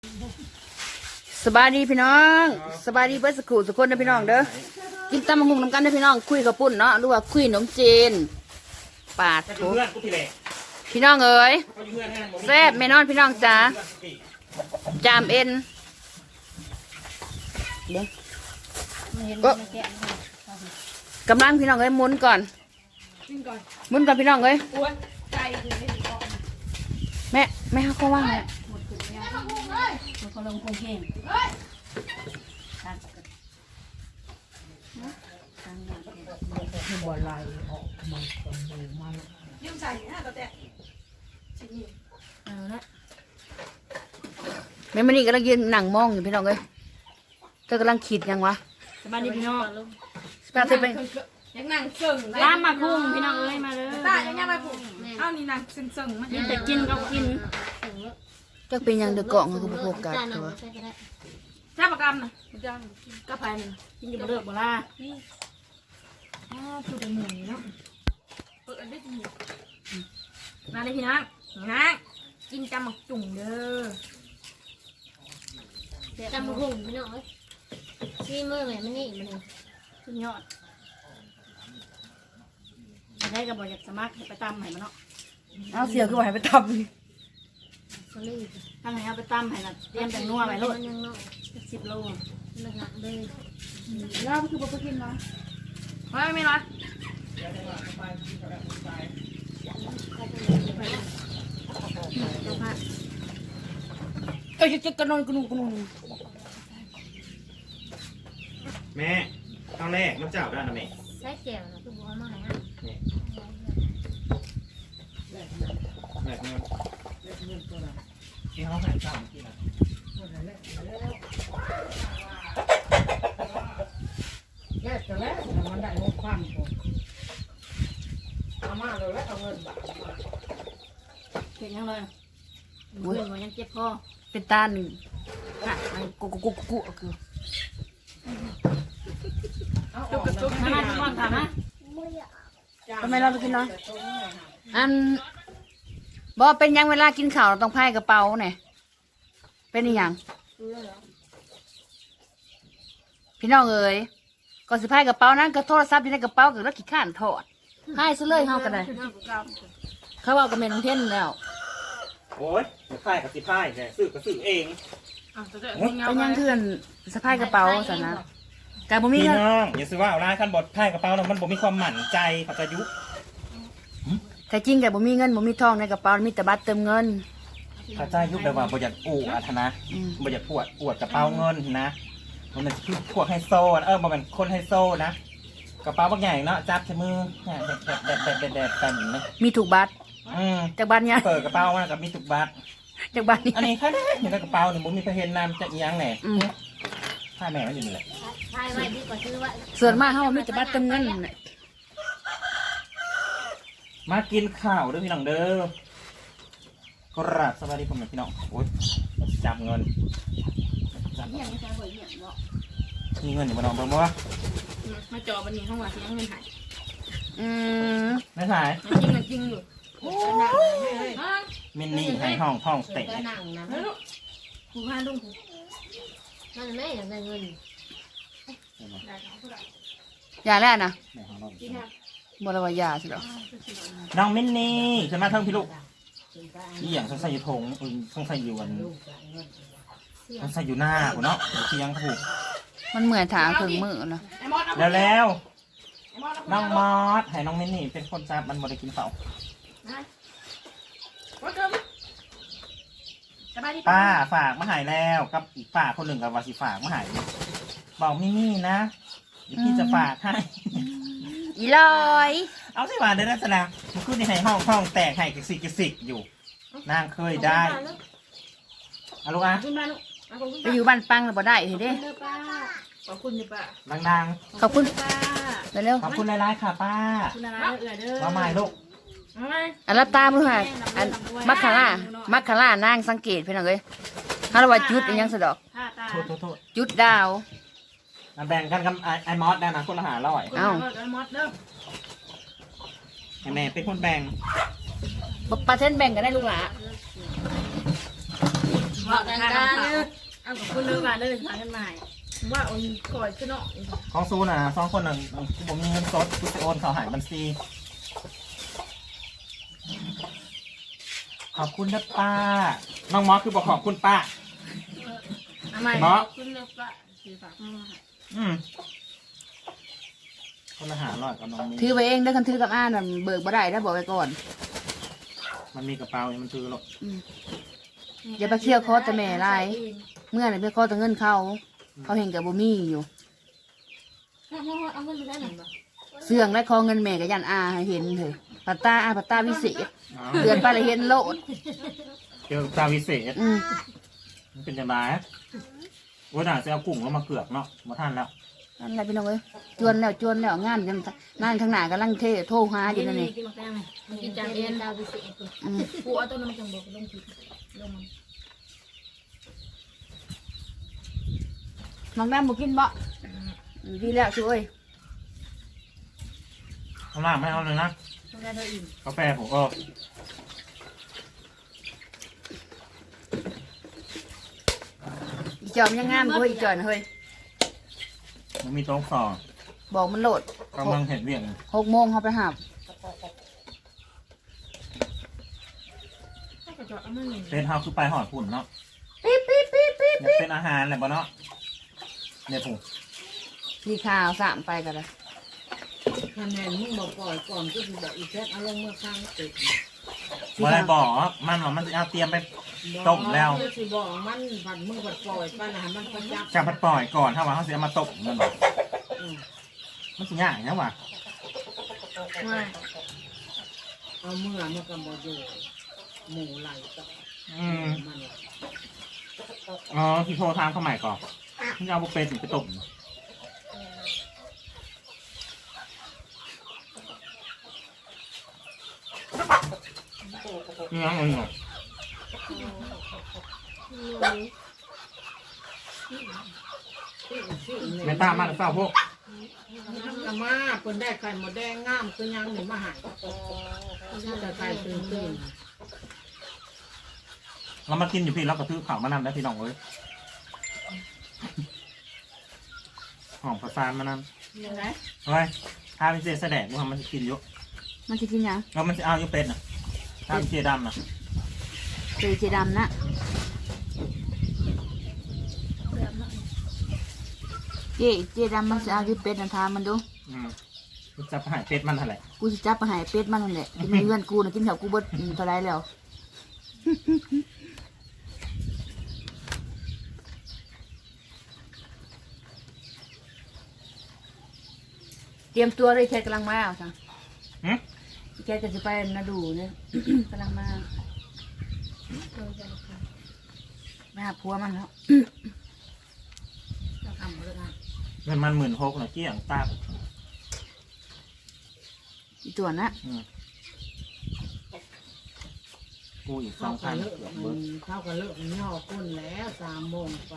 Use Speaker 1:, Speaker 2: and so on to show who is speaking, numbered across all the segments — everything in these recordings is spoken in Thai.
Speaker 1: สบายดีพี่น้องสบายดีเบิร์สกูสุกคนนะพี่น้องเด้อกินตำมะฮุงน้ำกันนะพี่น้องคุยกับปุ่นเนาะหรือว่าคุยขนมจีนปาดทุกพี่น้องเอ๋ยแซ่บแม่นอนพี่น้องจ้าจามเอ็นก็กำลังพี่น้องเอ้ยหมุนก่อนหมุนก่อนพี่น้องเอ้ยแม่เขาว่างเนี่ยเขาลงคงเข่งบ่ไหลออกมันคนมือมันยืมใส่นะตัวแต่ชิ้นนี้เอาละแม่มันนี่กำลังยืนหนังมองอยู่พี่น้องเอ้ยเธอกำลังขีดยังวะสบายดีพี่น้องสบายดีไปยังนั่งเสิ่งตามมาคุ้งพี่น้องเอ้ยมาเลยตายังไปผูกเอานี่นั่งเสิ่งมันจะกินก็กินจะเป็นยังเดือดกล่องคือพวกกันตัวแซ่บกรรมนะย่างกระเพรากินอยู่บนเรือบ่ล่ะคือเป็นหมูเนาะเปิดได้ดีมาเลยพี่น้องนะกินจำหมกจุ่มเด้อ
Speaker 2: จำบุกพี่น้องเอ้ยซีมือแม่มันนี่มัน
Speaker 1: สุดยอดได้กับบอยากสมัครไปตำให้มันเนาะเอาเสียคือว่าให้ไปตำ
Speaker 2: สลีด
Speaker 1: ทำไงเอาไปตำให้ละเตรียมแต่นัวไปโลด10 โล
Speaker 2: หนักเลย
Speaker 1: แล้วคือบ่ไปกินเนาะไม่ร้อนจะกระนอนกระนุกระนุน
Speaker 3: แม่ตอนแรกมันเจ้าได้นะแม่
Speaker 2: ใช้แก้วนะคือบัวมาไหนอ่ะ
Speaker 3: แม่ที่เขาหายเจ้าที่นะ
Speaker 1: แก่จะแล้วมันได้งบความผมเอามาเลยแล้วเอาเงินบาทเก่งยังเลยเงินมันยังเจ็บคอเป็นตาหนึ่งอ่ะไอ้กุกคือจุกมาทุกคนถามนะทำไมเราไปกินเนาะอันบอกเป็นยังเวลากินข้าวเราต้องพายกระเป๋าเนี่ยเป็นอย่างพี่น้องเอ๋ยก่อนสิพายกระเป๋านั้นก็โทรศัพท์อยู่ในกระเป๋ากับรถขี้ข้านถอดพายซะเลยเฮากันเลยเขาเอากระเมนของเท่นแล้ว
Speaker 3: โอ้ยพ่ายกับสิพ่ายเนี่ยซื้อก็ซื้อเอง
Speaker 1: เป็นยังเพื่อนสะพายกระเป๋าสันนะการบ่มี
Speaker 3: พี่
Speaker 1: เงิน
Speaker 3: น้องอย่าซื้อว่าเอาร้านขั้นบดพ่ายกระเป๋าแล้วมันบ่มีความหมั่นใจเขาจะยุ
Speaker 1: แต่จริงแกบ่มีเงินบ่มีทองในกระเป๋ามีแต่บัตรเติมเงิน
Speaker 3: เขาจะยุแบบว่าบ่อยากอู่อัธนะบ่อยากอวดกระเป๋าเงินนะมันเป็นพวกไฮโซมันเป็นคนไฮโซนะกระเป๋าบางอย่างเนาะจับใช้มือแดดกันนะ
Speaker 1: มีถูกบัตรจากบัตรเนี่ย
Speaker 3: เปิดกระเป๋ามากับมีถูกบัตร
Speaker 1: จากบัตรนี้
Speaker 3: อันนี้แค่ได้อยู่ในกระเป๋าเนี่ยผมมีเพเห็นนำจะอีหยังแหน่ผ้าแม่ก็อยู่นี่แหละ
Speaker 2: ทายไว้ดีกว่าซื้อไว้
Speaker 1: ส่วนมากเขามีแต่บัตรเติมเงิน
Speaker 3: มากินข้าวด้วยพี่น้องเด้อกราบสวัสดีผมพี่น้องโอ๊ยจับเงินมีเงินอยู่บนน้องเบิ่งบ่
Speaker 1: มาจอบันนี้ห้องว่าที่ยังเงินหาย
Speaker 3: ไม่หาย
Speaker 1: จริงอยู่
Speaker 3: มินนี่ให้ห้องเตะ
Speaker 1: ผูกผ้าลุง
Speaker 2: มันไม่อยากได้เงิน
Speaker 1: อย่าแล้วนะบริวารยาใช่หรอ
Speaker 3: น้องมินนี่จะมาเท่าพี่ลูกนี่อย่างสงสัยอยู่ทงสงสัยอยู่วันสงสัยอยู่หน้าเนาะที่ยังถูก
Speaker 1: มันเหมือนถางถึงมือนะ
Speaker 3: แล้วน้องมอสให้น้องมินนี่เป็นคนจับมันบ่ได้กินเปล่าป้าฝากมาหายแล้วกับอีกป้าคนหนึ่งกับวาสิฝากมาหายบอกมินนี่นะพี่จะฝากให้
Speaker 1: อีลอย
Speaker 3: เอาสิมาเดินลักษณะมันขึ้นในห้องแตกให้กิสิกอยู่นางเคยได้เอาลูกอ่ะ
Speaker 1: ไปอยู่บ้านปังแล้วบ่ได้เห็นดิ
Speaker 2: ขอบคุณป้า
Speaker 3: ดัง
Speaker 1: ขอบคุณป้าเร็ว
Speaker 3: ขอบคุณหลายๆค่ะป้ามาใหม่ลูก
Speaker 1: อันรับตามือหักอันมัคคาร่านางสังเกตเพื่อนเลยฮาร์วาจุดยังสะดอก
Speaker 3: โทษ
Speaker 1: จุดดาว
Speaker 3: แบ่งกันกับไอ้มอสได้นะคนละ500
Speaker 1: เอ้า
Speaker 3: แม่เป็นคนแบ่ง
Speaker 1: ปลาเส้นแบ่งกันได้ลูกหลามาทางการเอากับคุณเลิกกันเลยทางกันใหม่ว่าเอาก่อยขึ้นเนาะ
Speaker 3: ของซูน่ะ2 คนน่ะผมมีเงินสดกูจะโอนเขาหายบัญชีขอบคุณนะป้าน้องมอสคือบอกขอบคุณป้าหมอคุณนะป้าคนละ500กับน้องมี
Speaker 1: ถือไปเองได้คันถือกับอ้านมันเบิกบ่ได้ถ้าบอกไปก่อน
Speaker 3: มันมีกระเป๋ามันถือหรอก
Speaker 1: อย่าไปเที่ยวคอแต่แม่ไรเมื่อไหร่ไปคอแต่เงินเขาเห็นกับบ่มีอยู่เสื่องและคอเงินแม่กับยันอาให้เห็นเลยปัตตาวิเศษเดือนไปเลยเห็นโลด
Speaker 3: เกี่ยวกับตาวิเศษมันเป็นจังไรว่าน่าจะเอากุ้งแล้วมาเกือกเนาะมาท่านแล้ว
Speaker 1: นั่นแหละพี่น้องเอ้ยจวนแล้วงานข้างหน้ากำลังโทรหาอยู่นั่นนี่
Speaker 2: กินจานเรียนดาววิเศษ
Speaker 1: กูเอาต้นน้ำจังบอกลงผิดลงมันน้องแม่บุกินบ่ดีแล้วช่วย
Speaker 3: ข้างล่างไม่เอาเลยนะกาแฟผม
Speaker 1: อีจอมยังงามกูอีจอนเฮ้ย
Speaker 3: มันมีโต๊ะสอง
Speaker 1: บอกมันโหลด
Speaker 3: กำลังเห็นเบี่ยง
Speaker 1: 6 โมงเขาไปหาบ
Speaker 3: เป็นเฮาคือไปหอดผุ่นเนาะ
Speaker 1: ปิ๊บ
Speaker 3: เนี่ยเป็นอาหารแหละบ่เนาะเนี่ยผม
Speaker 1: มีข่าว3ไปกันเลย
Speaker 4: คะแนนมึงบอกปล่อยก่อนก็คือบอกอีแซกเอาลงเมื่อข้างติด
Speaker 3: ว่าอะไรบอกมันหรอมันจะเอาเตรียมไปต้มแล้ว
Speaker 4: สิบอกมันผัดมึงผัดปล่อยป้านะมันประจักษ์
Speaker 3: จะพัดปล่อยก่อนถ้าว่าเขาเสียมาต้มมันบอกมันสิง่ายนะว่ะ
Speaker 4: เอาเมื่อมันก็บอกอยู่หมูไหลต่อมัน
Speaker 3: อ๋อที่โทรทางเข้าใหม่ก่อนที่เอาบุฟเฟ่ต์ไปต้มนี่ยังไงเนาะไม่ตามมาเศร้าพวก
Speaker 4: อามาคนได้ไข่หมดแดงงามคือยังหนึ่งมาหายแต่ไข่ตื่น
Speaker 3: เรามากินอยู่พี่เราก็ซื้อข่าวมานำได้พี่น้องเอ้ยหอมประสานมานำ
Speaker 1: ยังไง
Speaker 3: เฮ้ยถ้าเป็นเจแสดงว่ามันจะกินเยอะ
Speaker 1: มันจะกินยัง
Speaker 3: แล้วมันจะเอาอยู่เป็ดนะถ้าเป็นเจดำนะ
Speaker 1: เจดำนะเจดำมันจะเอาอยู่เป็ดนะทามันดู
Speaker 3: มันจะหายเป็ดมันอะไร
Speaker 1: กูจะจับไปหายเป็ดมันนั่นแหละกินเพื่อนกูนะกินแถวกูเบิดเท่าไรแล้วเตรียมตัวเลยแค่กำลังมาเอาสั่งแค่จะไปนาดูเนี่ย กำลังมาไปหาผัวมันแล้วเราทำมาแล้วกัน
Speaker 3: เงินมัน16,000นะเกี้ยงตา
Speaker 1: อีตัวนะ
Speaker 3: กูอีก
Speaker 4: เข้ากัน
Speaker 3: 2,000
Speaker 4: เลิก
Speaker 3: เกือบเบิด
Speaker 4: เข้ากันเลิกย่อก้นแล้ว3 โมงไป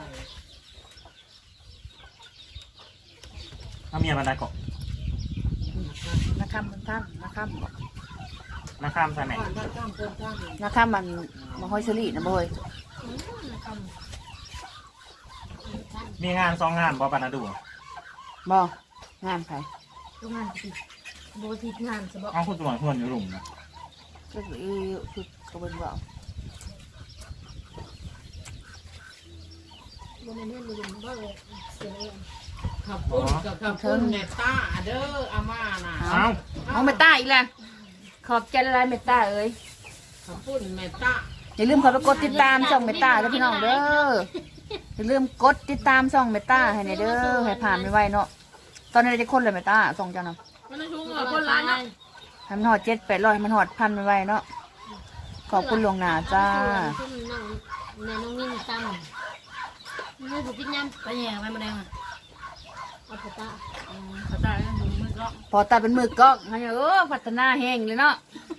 Speaker 3: ถ้าเมียมันได้ก่อน
Speaker 1: นักข้ามมันท่านนักข้ามบอก
Speaker 3: นะข้ามใส่ไหน
Speaker 4: ถ้าข้ามคนข้าม
Speaker 1: นักข้ามมันมาห้อยเฉลี่นะบ่อย
Speaker 3: มีงาน2 งานบอปานาดู
Speaker 1: บ่งานใคร
Speaker 2: ทุกงานสิโบทีงานสบ
Speaker 3: เอาคุณตรวจเพื่อนอยู่หลุมนะ
Speaker 1: ก็คือกระเบื้องบ่
Speaker 2: โบในเรื่องมันบ่เลยเสียเลย
Speaker 4: ขับปุ้นกับขับปุ้นเนต้าเด้ออาม่าน่ะ
Speaker 1: เอาเมตตาอีกแล้วขอบใจละลายเมตตาเอ้ย
Speaker 4: ขับปุ้นเนต้า
Speaker 1: อย่าลืมขอไปกดติดตามช่องเมตตาแล้วพี่น้องเด้ออย่าลืมกดติดตามช่องเมตตาให้ในเด้อให้ผ่านไม่ไหวเนาะตอนนี้จะคนเลยเมตตาส่งจังนะ
Speaker 2: มันชุ่มคนร้านนะ
Speaker 1: ให้มันหอด700-800ให้มันหอด1,000ไม่ไหวเนาะขอบคุณลวงหน้าจ้า
Speaker 2: ชุ่มน้องในน้องนิ่มตั้มไม่ถูกกินน้ำไปแย่ไปมาแดงอ่ะเอาปตา
Speaker 1: พอตาเป็นมือกล้องให้พัฒนาแห้งเลยเนาะ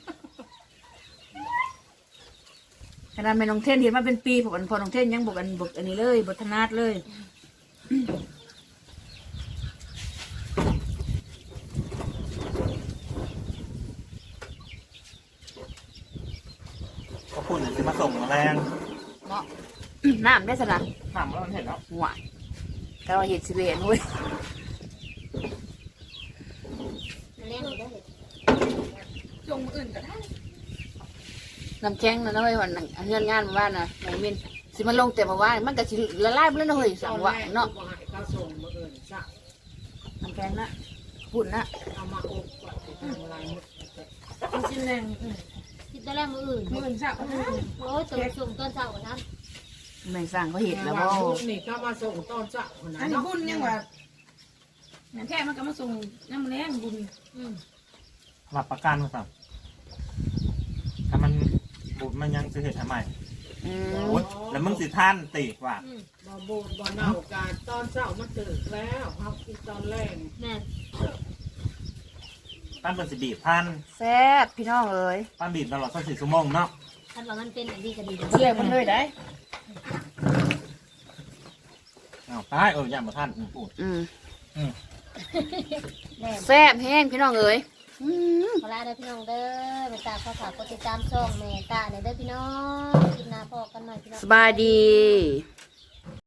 Speaker 1: ขนาดแม่น้องเทนเห็นมาเป็นปีพอน้องเทนยังบอกอันนี้เลยบทนาดเลย
Speaker 3: ก็พูดจะมาส่งแรง
Speaker 1: เนาะน้ำได้สนะ
Speaker 3: ถามว่าเราเห็นแล้ว
Speaker 1: หวานแต่ว่าเห็ดสิเวนเว้ย
Speaker 2: เล่นได้
Speaker 1: จงอื่นก็ได้น้ำแข็งนะเว้ยวันเงินงานมาบ้านนะหมูมินสิมันลงแต่มาว่ามันก็สิละลายไปแล้วนะเฮ้ยสั่งว่าเนาะ
Speaker 4: บ่ให้เขาส่งมาเอิ้นซะ
Speaker 1: น้ำแข็งนะปุ่นนะ
Speaker 4: เอามาอบก่อนสิทำอะไรหมด
Speaker 2: กินแรงกินได้แล้วมืออื่น
Speaker 1: มือสั่ง
Speaker 2: โอ้ยตัวส่งต้นเสาร์นะ
Speaker 1: ไม่สั่งเขาเห็นแล้ว
Speaker 4: บ่
Speaker 1: บ่
Speaker 4: นี่เขามาส่งตอนเช้าคนนั้
Speaker 5: อัน
Speaker 4: น
Speaker 5: นี้
Speaker 4: เนาะ
Speaker 5: บุญยังว่าแม่แท้มันก็มาส่งน้ำแรงบุญ
Speaker 3: หลับประกันมาสั่งถ้ามันบุญมันยังจะเห็นทำไม
Speaker 1: อืม
Speaker 3: โอ๊ยแล้วมึงสิท่านติว่า
Speaker 4: บ่บูดบ่เน่าการตอนเช้ามันตื่นแล้วเฮากินตอนแรก
Speaker 2: แม่
Speaker 3: ป้านเป็นสิบีบท่าน
Speaker 1: แซ่บพี่น้องเอ้ย
Speaker 3: ป้านบีบตลอด24 ชั่วโมงเนาะ
Speaker 2: ท่านว่ามันเป็นอันดีก็ดี
Speaker 1: เชื่อมันเลยได้
Speaker 3: อ้าวตายอย่ามาท่านพูด
Speaker 1: อืม
Speaker 3: อืม
Speaker 1: แซ่บแห้งพี่น้องเอ้ยอืม
Speaker 2: ขอลาเด้อพี่น้องเด้อไปตามข้าวฝากกดติดตามช่องแม่ตาเด้อพี่น้องกินนาพอกันหน่อยพี่น้อง
Speaker 1: สบายดี